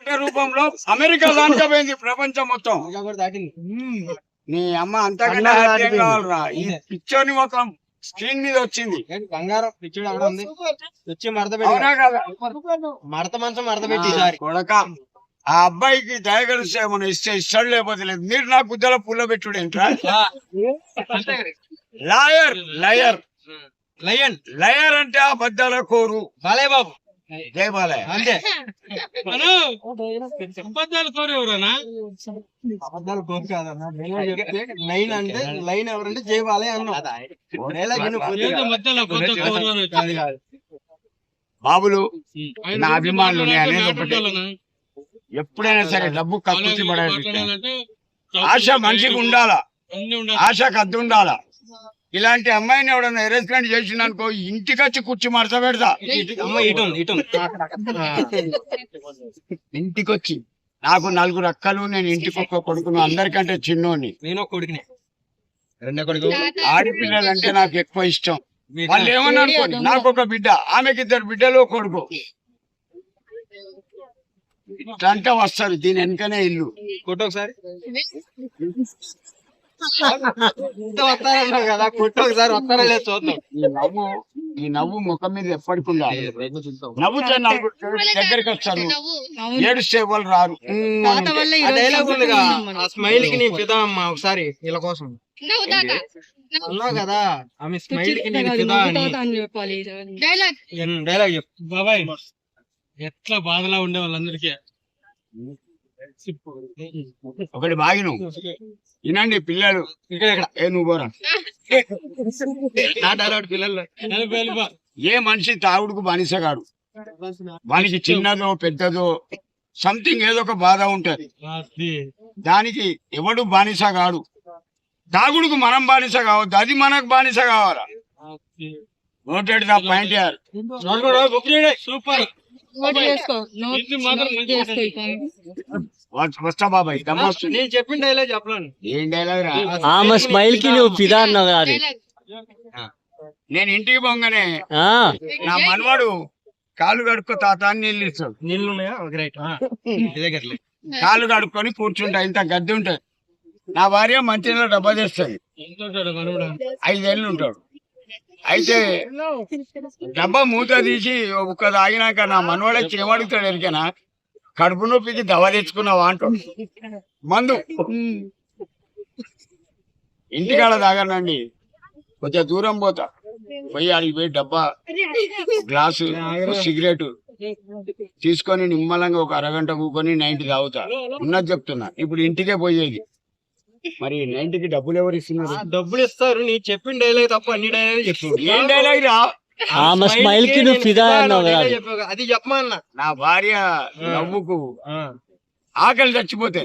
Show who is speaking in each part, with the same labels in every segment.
Speaker 1: రూపంలో అమెరికా దానికా పోయింది ప్రపంచం మొత్తం. నీ అమ్మ అంతకంటే హ్యాపీ కావాలరా. ఈ పిక్చర్ ని మొత్తం స్క్రీన్ మీద వచ్చింది.
Speaker 2: బంగారం పిచ్చుడు అక్కడ ఉంది. వచ్చి మడత
Speaker 1: అవునా కదా?
Speaker 2: మడత మంచం మడత పెట్టి
Speaker 1: కొడక ఆ అబ్బాయికి దయగలిస్తే మనం ఇస్తే ఇస్తాడు, లేకపోతే లేదు. మీరు నా గుద్దల పుల్ల పెట్టుడు ఏంట్రా? లాయర్ లయర్
Speaker 2: లయన్
Speaker 1: లయర్ అంటే అబద్ధాల కోరు.
Speaker 2: బాలయ్య బాబు
Speaker 1: జై బాలయ్య.
Speaker 2: అంతే.
Speaker 3: అబద్ధాలు కోరేవరనా?
Speaker 2: అబద్ధాలు కోరు కాదన్నా. లైన్ అంటే లైన్ ఎవరంటే జై బాలయ్య అన్నా.
Speaker 3: మధ్యలో కొత్త కోరు అని వచ్చింది.
Speaker 1: బాబులు నా అభిమానులు నేను అనేది ఒకటి, ఎప్పుడైనా సరే డబ్బు కక్కుర్తి పడాలి. ఆశ మనిషికి ఉండాలా, ఆశకు అద్దు ఉండాలా. ఇలాంటి అమ్మాయిని ఎవడన్నా అరేంజ్మెంట్ చేసిందనుకో ఇంటికి వచ్చి కూర్చి మడత పెడతా. ఇంటికి వచ్చి నాకు 4 అక్కలు, నేను ఇంటికి ఒక్క కొడుకును, అందరికంటే చిన్నోని.
Speaker 2: నేను ఒక కొడుకునే, రెండో కొడుకు.
Speaker 1: ఆడపిల్లలు అంటే నాకు ఎక్కువ ఇష్టం. వాళ్ళు ఏమన్నా అనుకోని, నాకు ఒక బిడ్డ, ఆమెకి 2 బిడ్డలు కొడుకు. ఇట్లా అంటే వస్తారు. దీని వెనకనే ఇల్లు.
Speaker 2: కొట్టు ఒకసారి వస్తారన్నారు కదా, కొట్టు ఒకసారి వస్తారా లేదు చూద్దాం.
Speaker 1: ఈ నవ్వు ముఖం మీద ఎప్పటికి ఉండాలి. నవ్వుతే దగ్గరికి వస్తారు, ఏడుస్తే వాళ్ళు రారు.
Speaker 2: డైలాగ్ ఉందిగా, ఆ స్మైల్ కి నేను ఫిదా అమ్మా. ఒకసారి వీళ్ళ కోసం అన్నావు కదా, ఆమె స్మైల్ కి నేను ఫిదా అని డైలాగ్ చెప్పు
Speaker 3: బాబాయ్. ఎట్లా బాధలా ఉండే వాళ్ళందరికీ
Speaker 1: ఒకటి బాగిను వినండి పిల్లలు.
Speaker 2: ఇక్కడ
Speaker 1: ఏ నువ్వు పోరా.
Speaker 2: నా డైలాగ్ పిల్లలు.
Speaker 1: ఏ మనిషి తాగుడుకు బానిసగాడు. వానికి చిన్నదో పెద్దదో సంథింగ్ ఏదో ఒక బాధ ఉంటది. దానికి ఎవడు బానిస కాడు. తాగుడుకు మనం బానిస కావద్దు, అది మనకు బానిస కావాలా. నోటెడ్ ద పాయింట్ యార్.
Speaker 3: సూపర్.
Speaker 1: వస్తా బాబాయ్.
Speaker 2: నేను చెప్పిన డైలాగ్ చెప్పలేను.
Speaker 1: ఏం డైలాగ్ రా?
Speaker 4: ఆమె స్మైల్ కి నువ్వు ఫిదా అన్నావు కదా.
Speaker 1: నేను ఇంటికి పోగానే నా మనవాడు కాళ్ళు కడుక్కో తాత అని నీళ్ళు ఇస్తాడు.
Speaker 2: నీళ్ళు ఉన్నాయా? రైట్.
Speaker 1: కాళ్ళు కడుక్కొని కూర్చుంటా. ఇంత గద్దె ఉంటది. నా భార్య మంచిగా డబ్బా చేస్తుంది. 5 ఏళ్ళు ఉంటాడు. అయితే డబ్బా మూత తీసి ఒక్క తాగినాక నా మనవాడకి ఏమడుగుతాడు ఎరికనా, కడుపు నొప్పికి దవ తెచ్చుకున్నావా అంటాడు. మందు ఇంటికాడ తాగనండి, కొంచెం దూరం పోతా. పోయి అడిగి పోయి డబ్బా, గ్లాసు, సిగరెట్ తీసుకొని నిమ్మలంగా ఒక అరగంట కూకొని 90 తాగుతా. ఉన్నది చెప్తున్నా. ఇప్పుడు ఇంటికే పోయేది. మరి 90కి డబ్బులు ఎవరు ఇస్తున్నారు?
Speaker 2: డబ్బులు ఇస్తారు. నీ చెప్పిన డైలాగ్ తప్ప అన్ని డైలాగ్ చెప్పు.
Speaker 1: ఏం డైలాగ్ రా?
Speaker 4: ఆమె స్మైల్ కి నువ్వు ఫిదా అన్నావు కదా.
Speaker 2: అది చెప్పమన్నా.
Speaker 1: నా భార్య నవ్వుకు ఆకలి చచ్చిపోతే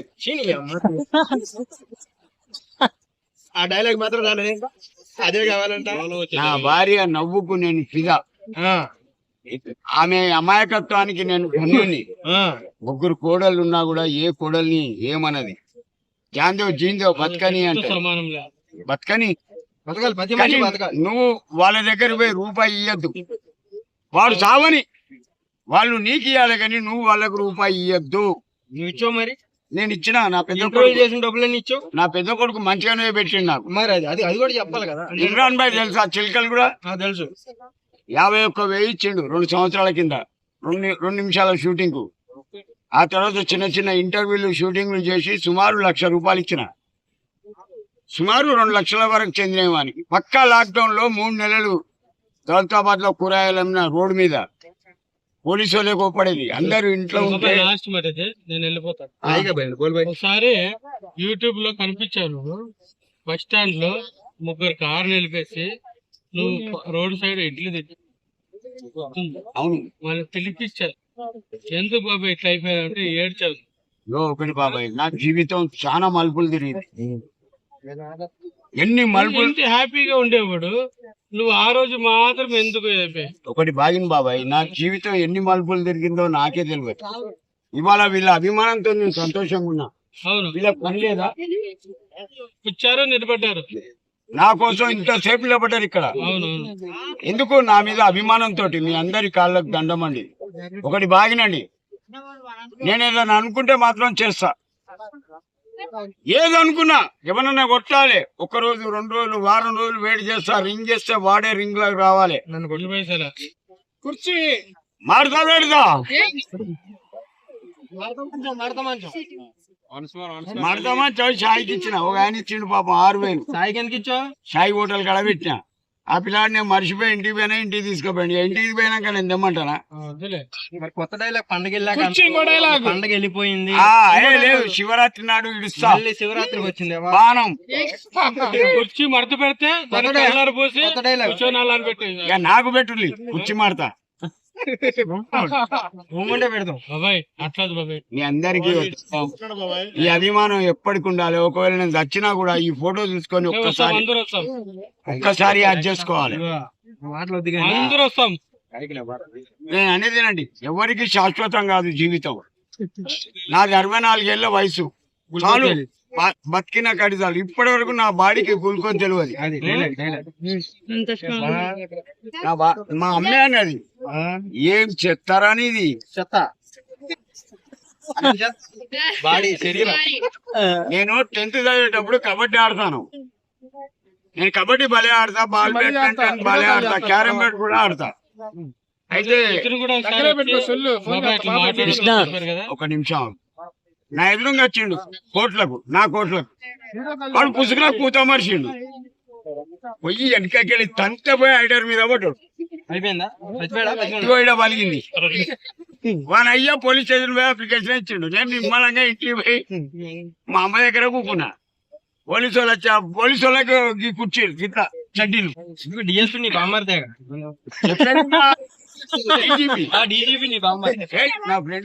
Speaker 2: ఆ డైలాగ్ మాత్రం అదే కావాలంట.
Speaker 1: నా భార్య నవ్వుకు నేను ఫిదా. ఆమె అమాయకత్వానికి నేను ధన్యుని. 3 కోడళ్ళు ఉన్నా కూడా ఏ కోడల్ని ఏమన్నది. జాందో జీందో బతకని అంటే బతకని. నువ్వు వాళ్ళ దగ్గర పోయి రూపాయి ఇయ్యద్దు. వాడు చావని, వాళ్ళు నీకు ఇయ్యాలి కానీ నువ్వు వాళ్ళకు రూపాయి ఇయ్యద్దు.
Speaker 2: నువ్వు ఇచ్చావు మరి?
Speaker 1: నేను ఇచ్చిన. నా పెద్ద కొడుకు
Speaker 2: చేసిన డబ్బులన్నీ ఇచ్చావు.
Speaker 1: నా పెద్ద కొడుకు మంచిగానే పెట్టిండు నాకు.
Speaker 2: మరి అది కూడా చెప్పాలి కదా.
Speaker 1: ఇమ్రాన్ భాయ్ తెలుసా? చిలకలు కూడా
Speaker 2: తెలుసు.
Speaker 1: 51,000 ఇచ్చిండు 2 సంవత్సరాల కింద. 2 నిమిషాల షూటింగ్ కు. ఆ తర్వాత చిన్న చిన్న ఇంటర్వ్యూలు షూటింగ్లు చేసి సుమారు 1,00,000 రూపాయలు ఇచ్చిన. సుమారు 2 లక్షల వరకు చెందినవానికి. పక్కా లాక్డౌన్ లో 3 నెలలు దౌలతాబాద్ లో కూరగాయలు అమ్మిన రోడ్డు మీద పోలీసు వాళ్ళే కోపడేది. అందరూ ఇంట్లో ఉంటే
Speaker 3: లాస్ట్ మాట నేను వెళ్ళిపోతాను. ఒకసారి యూట్యూబ్ లో కనిపించాను. బస్ స్టాండ్ లో 3 కారు నిలిపేసి నువ్వు రోడ్ సైడ్ ఇడ్లీ తిట్టి
Speaker 1: అవును
Speaker 3: వాళ్ళు పిలిపించారు. ఎందుకు బాబాయ్ ఇట్లా అయిపోయావు అంటే ఏడ్చావు.
Speaker 1: ఒకటి బాబాయ్, నా జీవితం చాలా మలుపులు తిరిగింది. ఎన్ని మలుపులు.
Speaker 3: హ్యాపీగా ఉండేవాడు నువ్వు ఆ రోజు మాత్రం ఎందుకు అయిపోయావు.
Speaker 1: ఒకటి బాగిన బాబాయ్, నా జీవితం ఎన్ని మలుపులు తిరిగిందో నాకే తెలియదు. ఇవాళ వీళ్ళ అభిమానంతో నేను సంతోషంగా ఉన్నా.
Speaker 3: అవును.
Speaker 1: వీళ్ళకి పని లేదా?
Speaker 3: వచ్చారు, నిలబడ్డారు.
Speaker 1: నా కోసం ఇంతసేపు నిలబడ్డారు ఇక్కడ. ఎందుకు? నా మీద అభిమానంతో మీ అందరి కాళ్ళకు దండమండి. ఒకటి బాగినండి, నేను ఏదైనా అనుకుంటే మాత్రం చేస్తా. ఏదనుకున్నా ఎవరన్నా కొట్టాలి, 1 రోజు 2 రోజులు వారం రోజులు వెయిట్ చేస్తా. రింగ్ చేస్తే వాడే రింగ్ లాగా రావాలి.
Speaker 2: నన్ను కొట్టు.
Speaker 3: 20 పైసలు
Speaker 1: కుర్చీ మారుతా పెడతా మారుతామా షాయికి ఇచ్చిన. ఒక ఆయన ఇచ్చిండు పాపం 6,000.
Speaker 2: సాయికి ఎందుకు ఇచ్చావు?
Speaker 1: షాయి హోటల్ కడ పెట్టిన. ఆ పిల్లాడు నేను మర్చిపోయి ఇంటికి పోయినా, ఇంటికి తీసుకుపోయింది. ఇంటికి పోయినాక నేను తెమ్మంటానా?
Speaker 3: వద్దులే.
Speaker 2: మరి కొత్త డైలాగ్ పండగ వెళ్ళాక
Speaker 3: కుర్చీ ఇంకో డైలాగ్.
Speaker 2: పండగ వెళ్ళిపోయింది,
Speaker 1: లేదు శివరాత్రి నాడు ఇడుస్తా
Speaker 2: మళ్ళీ శివరాత్రికి వచ్చింది
Speaker 1: బాణం.
Speaker 3: కుర్చీ మడత పెడితే దానికి కలర్ పోసి
Speaker 2: కొత్త డైలాగ్
Speaker 3: కూర్చొని అలా పెట్టి
Speaker 1: ఇక నాకు పెట్టుర్లి కుర్చీ మాడతా.
Speaker 2: మూమెంటే పెడతాం.
Speaker 3: బాబాయ్ అట్లా బాబాయ్.
Speaker 1: మీ అందరికీ ఈ అభిమానం ఎప్పటికి ఉండాలి. ఒకవేళ నేను చచ్చినా కూడా ఈ ఫోటో చూసుకొని
Speaker 3: అందరూ వస్తాం,
Speaker 1: ఒక్కసారి యాడ్ చేసుకోవాలి.
Speaker 2: మాటలు వద్దు కానీ
Speaker 3: అందరూ వస్తాం.
Speaker 1: నేను అనేదేనండి, ఎవరికి శాశ్వతం కాదు జీవితం. నాది 64 ఏళ్ల వయసు చాలు, బతికిన కడిదాలు. ఇప్పటి వరకు నా బాడీకి కూలుకొని తెలియదు.
Speaker 2: అది డైలాగ్ డైలాగ్.
Speaker 1: మా అమ్మే అన్నది, ఏం చెత్తారని ఇది
Speaker 2: చెత్త బాడీ శరీరం.
Speaker 1: నేను 10th చదివేటప్పుడు కబడ్డీ ఆడతాను. నేను కబడ్డీ భలే ఆడతా, బాల్ బ్యాడ్మింటన్ భలే ఆడతా, క్యారమ్ బోర్డ్ కూడా ఆడతా. అయితే
Speaker 3: ఇతను కూడా ఒకసారి బాబాయ్ ఇట్లా మాట్లాడుతున్నారు కదా.
Speaker 1: ఒక నిమిషం, నా ఎదురుగా వచ్చిండు నా కోట్లకు వాడు పుసుకులో కూత మరిచిండు. పొయ్యి వెనకకెళ్ళి తంత పోయి ఐడర్ మీద పడ్డాడు.
Speaker 2: అయిపోయిందా?
Speaker 1: ఇదిగో ఈడ పలిగింది. వాని అయ్యా పోలీస్ స్టేషన్ పోయి అప్లికేషన్ ఇచ్చిండు. నేను నిమ్మలంగా ఇంటికి పోయి మా అమ్మ దగ్గర కూకున్నా. పోలీసు వాళ్ళు వచ్చి పోలీసు వాళ్ళకి కూర్చీలు ఇట్లా చడ్డీలు
Speaker 2: డిఎస్పీ నీ బామ్మర్దే.
Speaker 1: చెప్పాను కదా, DGP.
Speaker 2: డీజీపీ నీ బామ్మర్దే.
Speaker 1: ఏయ్, నా ఫ్రెండ్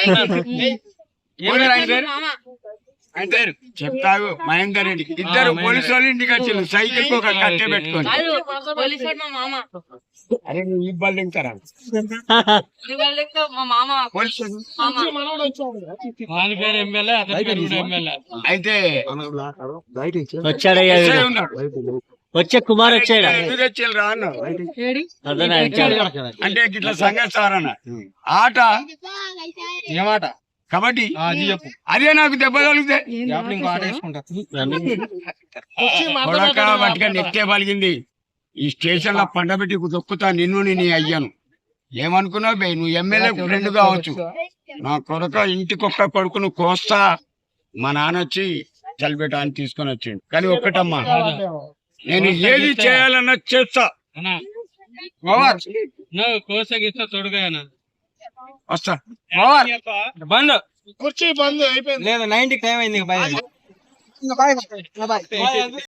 Speaker 1: ఆయన పేరు చెప్తావు మహేందర్ రెడ్డి. ఇద్దరు పోలీసు వాళ్ళు ఇంటికి వచ్చిండు సైకిల్ ఒక కట్టె పెట్టుకొని. అరే నువ్వు ఈ బల్ దిగుతారా
Speaker 3: వాని పేరు ఎమ్మెల్యే, అతని పేరు కూడా ఎమ్మెల్యే.
Speaker 1: అయితే
Speaker 4: వచ్చాడయ్యా
Speaker 1: ఎస్ఐ
Speaker 4: వీడు.
Speaker 1: ఉన్నాడు.
Speaker 4: వచ్చే కుమార్ వచ్చాడు.
Speaker 1: ఎందుకు తెచ్చిల్లు రా అన్నాడు.
Speaker 4: అర్థనా వచ్చాడు.
Speaker 1: అంటే ఇట్లా సంగతి సార్ అన్న ఆట
Speaker 2: ఏమాట
Speaker 1: కబడ్డీ
Speaker 2: అది చెప్పు.
Speaker 1: అదే నాకు దెబ్బ తగిలితే
Speaker 2: లోపల ఇంకో ఆట వేసుకుంటా.
Speaker 1: కొడక బట్టిగా నెక్కే పలిగింది. ఈ స్టేషన్ లో పండబెట్టి దొక్కుతా నిన్ను నీ అయ్యాను. ఏమనుకున్నావు బే, నువ్వు ఎమ్మెల్యే ఫ్రెండ్ కావచ్చు. నా కొడక ఇంటికొక్క కొడుకును కోస్తా. మా నాన్న వచ్చి చలిబెట్ట అని తీసుకొని వచ్చిండు. కానీ ఒక్కటమ్మా, నేను ఏది చేయాలన్నా చేస్తా.
Speaker 3: అన్నా
Speaker 1: ఓవర్
Speaker 3: నువ్వు కోసగిస్తా తొడుగా అన్న.
Speaker 1: వస్తా ఓవర్.
Speaker 2: బంద్
Speaker 3: కుర్చీ బంద్ అయిపోయింది.
Speaker 2: లేదు 90 టైం అయింది. బాయ్.